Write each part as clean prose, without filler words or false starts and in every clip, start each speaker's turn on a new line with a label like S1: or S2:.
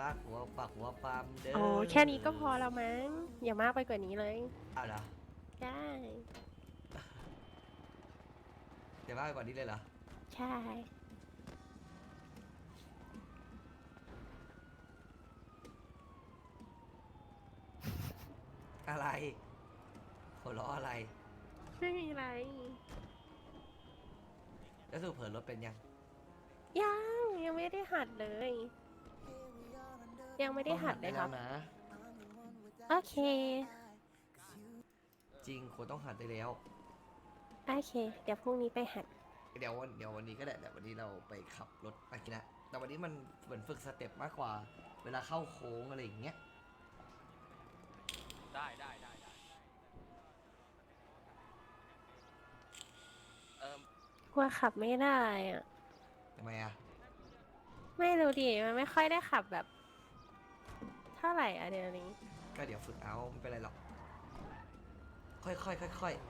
S1: รักหัวปักหัวปามเด้อ
S2: โอ้แค่นี้ก็พอแล้วมั้งอย่ามากไปกว่านี้เลย
S1: เอาเหรอ
S2: ได้
S1: เดี๋ยวมากกว่านี้เลยเหรอ
S2: ใช่
S1: อะไรหัวเราะอะไร
S2: ไม่มีอะไร
S1: แล้วสรุปเผินรถเป็นยัง
S2: ยังไม่ได้หัดเลย ยังไม่ได้หัดเลยครับ
S1: ต้องหัดได้แล้วนะ
S2: โอเค
S1: จริงโคต้องหัดได้แล้ว
S2: โอเค เดี๋ยวพรุ่งนี้ไปหัด
S1: เดี๋ยววันนี้ก็ได้แต่วันนี้เราไปขับรถไปกินนะแต่วันนี้มันเหมือนฝึกสเต็ปมากกว่า เวลาเข้าโค้งอะไรอย่างเงี้ย
S3: ได้
S2: กลัวขับไม่ได้อะ
S1: ทำไมอ่ะ
S2: ไม่รู้ดิ มันไม่ค่อยได้ขับแบบ เท่าไหร่อะเดี๋ยวนี้
S1: ก็เดี๋ยวฝึกเอาไม่เป็นไรหรอก ค่อยๆ
S2: ค่อย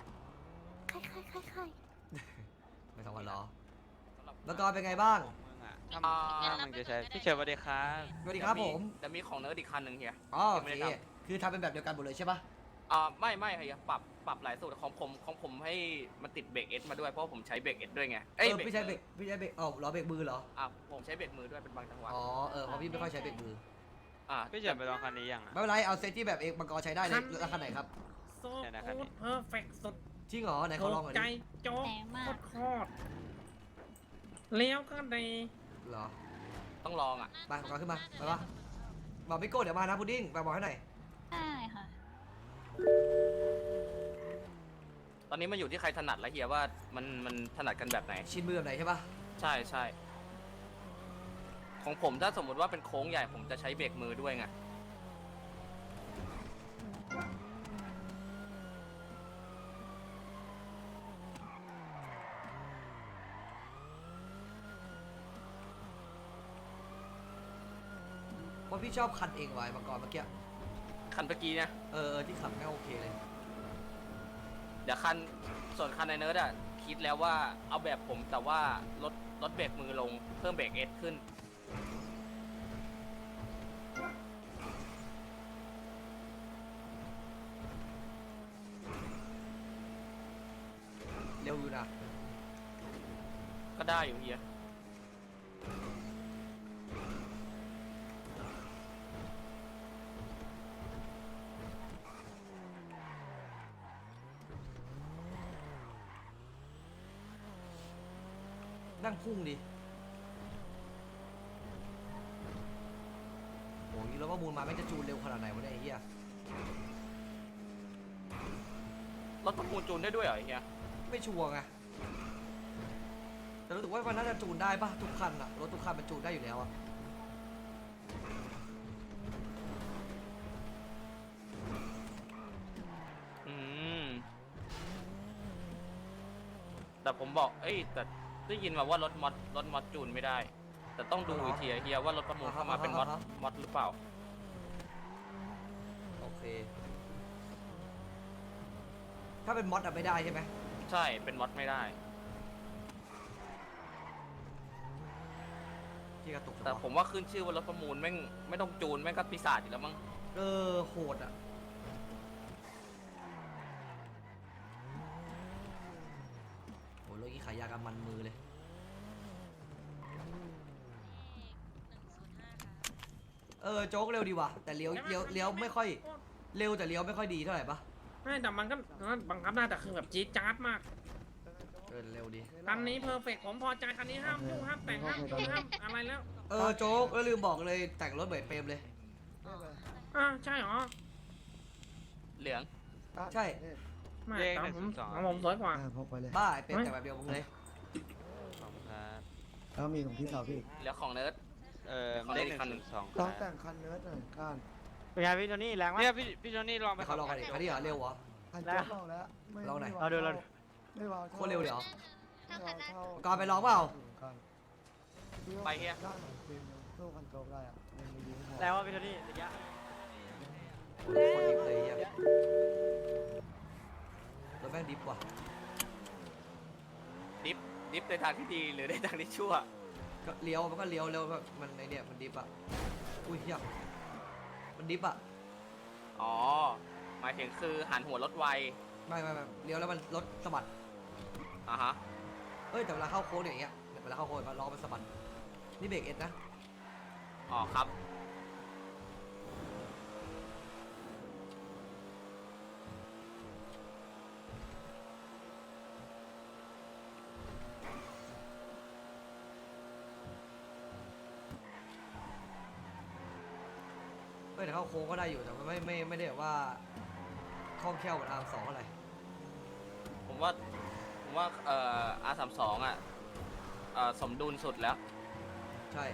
S1: ไม่ต้องมารอแล้วก็เป็นไงบ้าง
S3: ถ้ามึงจะใช้พี่เฉยสวัสดีครับ
S1: สวัสดีครับผม
S3: แต่มีของเนิร์ดอีกคันหนึ่งเฮีย
S1: อ๋อโอ
S3: ยังไม่
S1: เค
S3: ได้ท
S1: คือทำเป็นแบบเดียวกันหมดเลยใช่ปะ
S3: ไม่เฮียปรับหลายสูตรของผมให้มันติดเบรกเอสมาด้วยเพราะผมใช้เบรกเอสด้วยไง
S1: พี่ใช้เบรกอ๋อล้อเบรกมือเหรอ
S3: ผมใช้เบรกมือด้วยเป็นบางจังหวะ
S1: อ๋อเพราะพี่ไม่ค่อยใช้เบรกมือ
S3: พี่เฉยไปลองคันนี้ยัง
S1: ไม่เป็นไรเอาเซตที่แบบเอกมังกรใช้ได้เลยแล้วคันไหนครับ
S4: โซคูดเพอร์เฟกต์สุด
S1: จริงเหรอไหนเขาลองหน่อย
S4: ใจ
S1: ดิ
S4: โจ๊กโคตรเลี้ยวก็ดี
S1: เหรอ
S3: ต้องลองอ่ะ
S1: ไปมังกรขึ้นมาไปปะบอกพี่โก้เดี๋ยวมานะพุดดิ้งไปบอกให้หน่อย
S5: ได้ค่ะ
S3: ตอนนี้มันอยู่ที่ใครถนัดแล้วเฮียว่ามันถนัดกันแบบไหน
S1: ชินมือแบบไหนใช่ปะ
S3: ใช่ของผมถ้าสมมุติว่าเป็นโค้งใหญ่ผมจะใช้เบรกมือด้วยไง
S1: เพราะพี่ชอบคันเองไว้มังกรเมื่อกี้
S3: คันเมื่อกี้เนี่ย
S1: ที่ขับไม่โอเคเลย
S3: เดี๋ยวส่วนคันในเนิร์ดอะคิดแล้วว่าเอาแบบผมแต่ว่าลดเบรกมือลงเพิ่มเบรกเอสขึ้น
S1: เร็วอยู่นะ
S3: ก็ได้อยู่เฮีย
S1: นั่งพุ่งดิโอ้ยแล้วว่ามูลมาไม่งจะจูนเร็วขนาดไหนวะเนี่ยไอ้เหี้ย
S3: รถประมูลจูนได้ด้วยเหรอเฮีย
S1: ไม่ชัวร์ไงแต่รู้สึกว่ามันน่าจะจูนได้ปะทุกคันอะรถทุกคันมันจูนได้อยู่แล้วอะ
S3: อืมแต่ผมบอกแต่ได้ยินมาว่ารถมอดจูนไม่ได้ แต่ต้องดูอีกทีอะเฮียว่ารถประมูลเข้ามาเป็นมอดหรือเปล่า
S1: โอเค ถ้าเป็นมอดอะไม่ได้ใช่ไหม
S3: ใช่เป็นมอดไม่ได้
S1: ที่กระตุก
S3: แต่ผมว่าขึ้นชื่อว่ารถประมูลแม่งไม่ต้องจูนแม่งก็ปีศาจอยู่แล้วมั้ง
S1: โหดอะโหรถยี่ขายยากันมันมือเลยโจ๊กเร็วดีว่ะแต่เลี้ยวไม่ค่อยเร็วแต่เลี้ยวไม่ค่อยดีเท่าไหร่ปะ
S4: ไม่แต่มันก็บังคับได้แต่คือแบบจี๊ดจ๊าดมาก
S1: เร็วดี
S4: คันนี้เพอร์เฟกต์ผมพอใจคันนี้ห้ามยุ่งห้ามแต่งห้ามยุ่งห้ามอะไรแล้ว
S1: โจ๊กแล้วลืมบอกเลยแต่งรถเหมือนเปรมเลย
S4: ใช่เหรอ
S3: เหลือง
S1: ใช่
S4: ไม่แต่ผมสวยกว่า
S6: พกไปเลย
S1: บ้าไอเปรมแต่งแบบเดียวมึงเลย
S3: ขอบคุณครับ
S6: แล้วมีของพี่สาวพี่อีก
S3: เหลือของเนิร์ด
S7: เลข
S3: อีกคันหนึ่ง
S7: 102
S6: ต้องแต่งคันเนื้อหน่อยก้าน
S7: เป็นไงพี่โทนี่แรงมากเนี่ยพี่โทนี่ลองไป
S1: เขาลองกันดิคันนี้เหรอเร็วเหรอ
S6: คันเจ๊ลองแล้วไม่
S1: ลองหน่อย
S6: ไม่
S7: เรา
S6: ไม่วาว
S1: โคตรเร็วเลยเหรอ
S6: ไม่วาวเท่า
S1: ก่อนไปลองเปล่า
S6: กัน
S3: ไปเฮีย
S6: ด้านของฟิล์มยังสู้คันโจ๊กได้อะยังไม่ยิงพอ
S7: แรงว่าพี่โทนี่ระยะ
S1: โคตรดิบเลยอ่ะรถแม่งดิบว่ะ
S3: ดิฟในทางที่ดีหรือในทางที่ชั่ว
S1: ก็เลี้ยวมันก็เลี้ยวเร็วแบบมันไอเนี่ยมันดิฟอะอุ้ยเหี้ยมันดิฟอะ
S3: อ๋อ หมายถึงคือหันหัวรถไว
S1: ไม่เลี้ยวแล้วมันรถสะบัด
S3: อ่ะฮะ
S1: เอ้ยแต่เวลาเข้าโค้งเนี่ยอย่างเงี้ยเวลาเข้าโค้งมันล้อมันสะบัดนี่เบรกเอ็ดนะ
S3: อ๋อครับ
S1: เอ้ยแต่เข้าโค้งก็ได้อยู่แต่มันไม่ได้แบบว่าคล่องแคล่วเหมือนอาร์มสองอะไร
S3: ผมว่าR32อ่ะสมดุลสุดแล้ว
S1: ใช่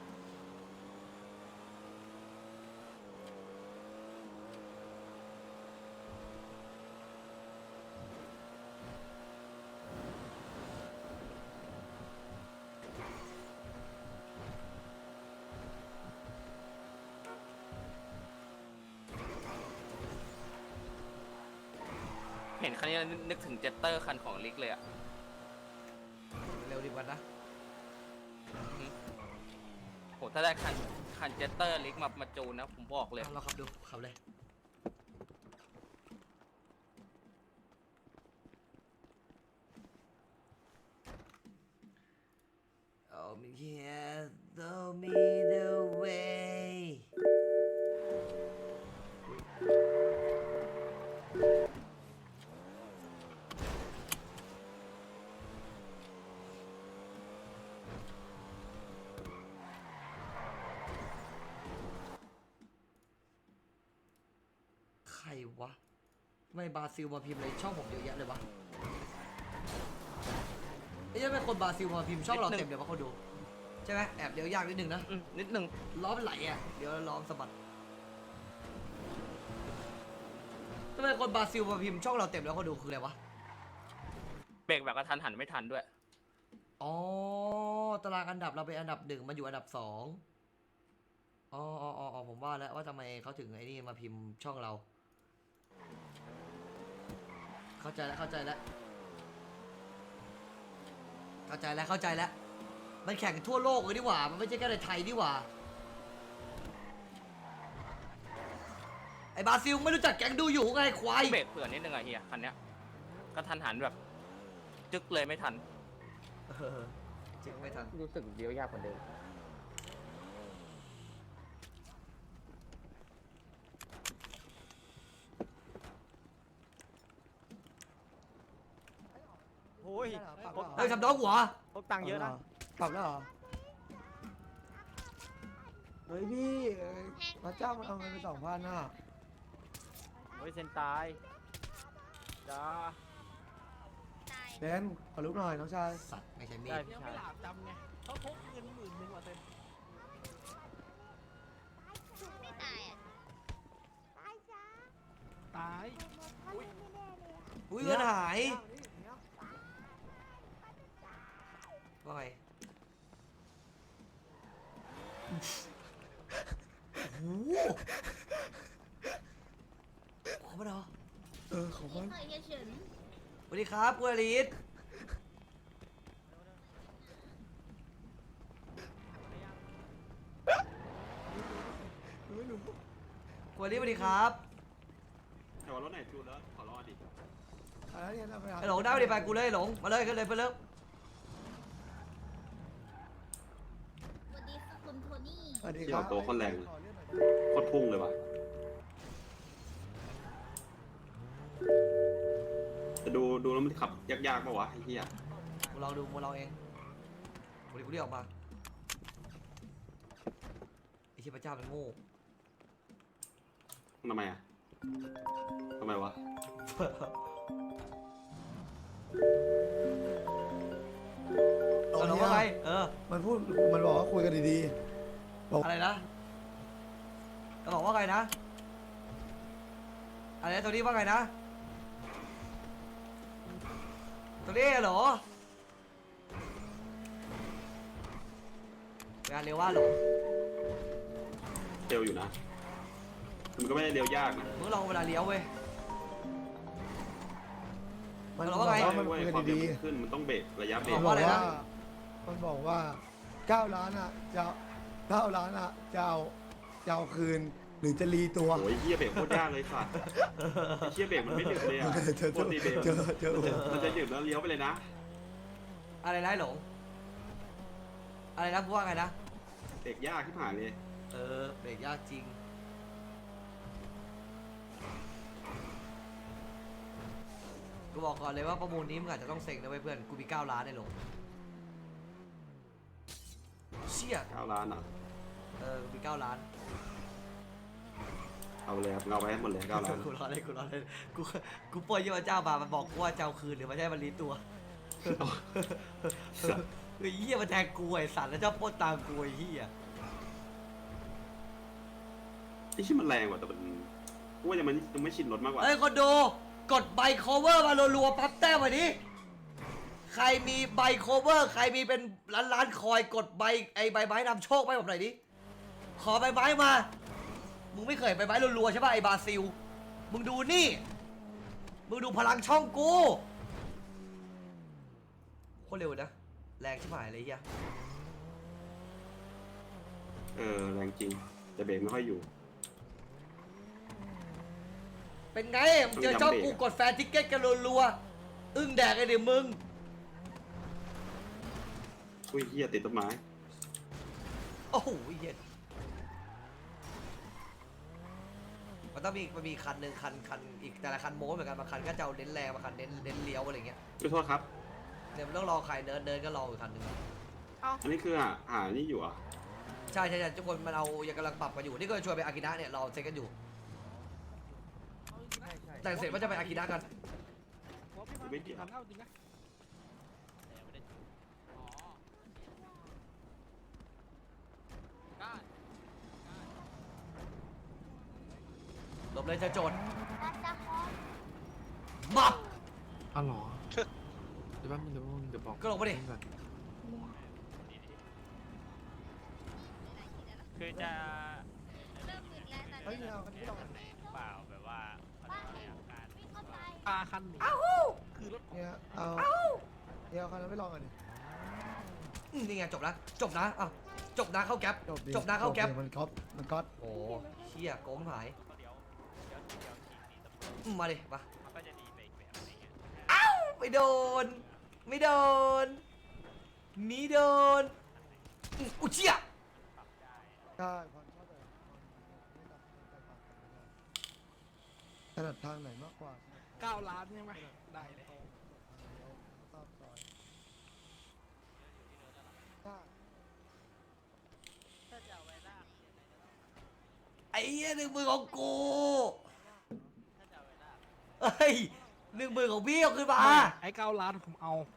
S3: เห็นคันนี้แล้วนึกถึงเจตเตอร์คันของลิกเลยอ่ะ
S1: เร็วดีกว่านะ
S3: โหถ้าได้คันเจตเตอร์ลิกมาจูนนะ ผมบอกเลย
S1: เราขับดูขับเลย Oh me yeah show me the way ใครวะทำไมบราซิลมาพิมพ์อะไรช่องผมเยอะแยะเลยวะไอ้ยังเป็นคนบราซิลมาพิมพ์ช่องเรา
S3: นิดนึง
S1: เต็มเลยวะเขาดูใช่ไหมแอบเดี๋ยวยากนิดนึงนะ
S3: นิดนึง
S1: ล้อมันไหลอ่ะเดี๋ยวล้อมนสะบัดทำไมคนบราซิลมาพิมพ์ช่องเราเต็มแล้วเขาดูคืออะไรวะ
S3: เบรกแบบกระทันหันไม่ทันด้วย
S1: อ๋อตารางอันดับเราเป็นอันดับ1มาอยู่อันดับ2อ๋อผมว่าแล้วว่าทำไมเขาถึงไอ้นี่มาพิมพ์ช่องเราเข้าใจแล้วมันแข่งทั่วโลกเลยดีกว่ามันไม่ใช่แค่ในไทยดีกว่าไอ้บราซิลไม่รู้จักแก๊งดูอยู่ไงควาย
S3: เบรกเผื่อนิดนึงอะเฮียคันเนี้ยกระทันหันแบบ จึ๊กเลยไม่ทัน
S1: จริงไม่ทัน
S7: รู้สึกเดียวยากกว่าเดิมโอ้ย
S1: เฮ้ยทำน้องหัว
S7: พกตังค์เยอะนะ
S6: ปรับแล้วเหรอเฮ้ยพี่พระเจ้ามันเอาเงินไป2,000น่ะ
S7: โอ้ยเซนตายจ้า
S6: เบนขอลุกหน่อยน้องชาย
S1: สัตว์ไม่ใช่มี
S7: ได้
S1: ด
S7: พี่
S5: ยัง
S7: ชา
S5: ไม่
S7: ย
S5: หลาบจำไงเขาพกเงิน10,000 ว่ะเต็ม
S8: ไม่ตายอ่ะ
S5: ตาย
S1: อุ้ยเงินหายว่าไงโอ้โหขอมาเหรอ
S6: ของมัน
S8: เคยเฉิน
S1: สวัสดีครับคุณอลิสคุณอลิสสวัสดีครับ
S9: แต่ว่ารถไหนจูนแล้วขอรอดิ
S6: อะไรเนี่ยเราไปหา
S1: ไอ้หลงได้ไปดิไปกูเลยหลงมาเลยขึ้นเลยไปเลย
S8: สวัสดีค่ะคุณโทนี่
S6: สวัสดี
S9: เกี่
S6: ค
S9: ย
S6: รั
S9: ว
S6: บ
S9: ตัวคนแรงเลย
S6: ขอเลื่อนหน่อย
S9: โคตรพุ่งเลยว่ะจะดูแล้วมันขับยากๆป่าวะไอ้เหี้ย
S1: กูลองดูมึงลองเองกูดิกูเรียกออกมาไอ้เชี่ยพระเจ้ามันโง่
S9: ทำไมอ่ะทำไมวะ
S1: เอาหลงว่าไง
S6: มันบอกว่าคุยกันดีๆ
S1: อะไรนะจะบอกว่าไงนะอะไรนะตัวนี้ว่าไงนะตัวนี้เหรองานเร็วว่าหลง
S9: เร็วอยู่นะมันก็ไม่ได้เร็วยากนะ
S1: มึงลองเวลาเลี้ยวเว้ย
S6: มัน
S1: เรา
S6: บอก
S1: ว่าไง
S6: ว่ามัน
S9: เว้ย
S6: คุยกัน
S9: ความเร็ว
S6: ดี
S9: มันขึ้นมันต้องเบรกระยะเบร
S6: ๆ
S9: ก
S6: มัน
S1: ว่า
S6: บอก
S1: อะไรนะ
S6: ว่ามันบอกว่า 9 ล้านอ่ะจะเอา9 ล้านอ่ะจะเอาคืนหรือจะรีตัว
S9: โอ้ยเหี้ยเบรกโคตรยากเลยสัตว์ไอ้เหี้ยเบรกมันไม่หยุดเลยอ่ะ
S6: เจอ
S9: ปกติเบรก มันจะหยุดแล้วเลี้ยวไปเลยนะ
S1: อะไรนะไอ้หลง อะไรนะพูดว่าไงนะ
S9: เบรกยากที่ผ่านเลย
S1: เออเบรกยากจริง กูบอกก่อนเลยว่าประมูลนี้มึงอาจจะต้องเซ็งนะเว้ยเพื่อน กูมี9 ล้านไอ้หลง เชี่ย
S9: 9 ล้านอ่ะ
S1: กูมี9 ล้าน
S9: เอาเลยครับเอาไปให้หมดเลย9 ล้าน
S1: กูรอเลยกูปล่อยเยาวเจ้ามามันบอกกูว่าจะเอาคืนหรือมันจะให้มันรีตัว
S9: สัตว์
S1: ไอ้เหี้ยมันแทงกูไอ้สัตว์แล้วเจ้าปล้นตามกูไอ้เหี้ย
S9: ไอ้ที่มันแรงกว่าแต่มันกูว่ายังไม่ชินรถมากกว่า
S1: เฮ้ยคนดูกดใบโคเวอร์มารัวๆปั๊บแต้มมาดิใครมีใบโคเวอร์ใครมีเป็นล้านคอยกดใบไอ้ใบไม้นำโชคไปผมหน่อยดิขอใบไม้มามึงไม่เคยใบไม้รัวๆใช่ป่ะไอ้บราซิลมึงดูนี่มึงดูพลังช่องกูโคตรเร็วนะแรงชิบหายเลยเฮีย
S9: แรงจริงแต่เบรกไม่ค่อยอยู่
S1: เป็นไงมึงเจอช่องกูกดแฟนทิกเก็ตกันรัวๆอึ้งแดกไอ้เดี๋ยวมึง
S9: อุ้ยเหี้ยติดต้นไม้
S1: โอ้โหเย็นมันต้องมีคันหนึ่งคันอีกแต่ละคันโม้เหมือนกันบางคันก็จะเอาเน้นแรงบางคันเน้นเลี้ยวอะไรเงี้ย
S9: ขอโทษครับ
S1: เดี๋ยวมันต้องรอใครเดินก็รออีกคันหนึ่ง
S9: อันนี้คือหานี่อยู่อ่ะ
S1: ใช่ทุกคนมันเอายังกำลังปรับกันอยู่นี่ก็ชวนไปอากินะเนี่ยเราเซ็นกันอยู่แต่งเสร็จว่าจะไปอากินะกัน
S9: ไม่เกี่ยว
S5: ทำเข้าจริงนะ
S1: หลบเลยจะโจร
S8: น่าจะพอ
S1: บับ
S10: อ๋อเหรอ เดี๋ยวแป๊บนึงเดี๋ยวบอก
S1: ก็ลงมาดิ
S10: ก่อน
S3: คือจะ
S8: เริ่มมึนแล้วตอน
S6: เฮ้ย
S8: นี้
S6: เอากันไม่ต้อง
S3: เปล่าแบบว่า
S8: บ้านวิ่งเข้าไป
S5: ปลาคันหนีคือรถ
S6: เนี่ยเอาเดี๋ยวคันนั้นไม่ลองกันดิ
S1: นี่ไงจบนะอ่ะจบนะเข้าแก๊ป
S6: ดิ
S1: จบนะเข้าแก๊ป
S6: มันก๊อต
S1: โอ้เชี่ยโกงหายมาดิมา
S3: มันก็จะดีไปอีกแบบอะไรเงี้ย
S1: ไม่โดนไม่โดนอุยเชี่ย
S6: ใช่ความชอบแบบถนัดทางไหนมากกว่า
S5: 9 ล้านใช่ไหมได้เลย
S6: ชอบซอยใช่
S1: ไอ้เหี้ย10,000ของกูเฮ้ย10,000ของพี่เอาขึ้นมา
S5: ไอ้9 ล้านผมเอา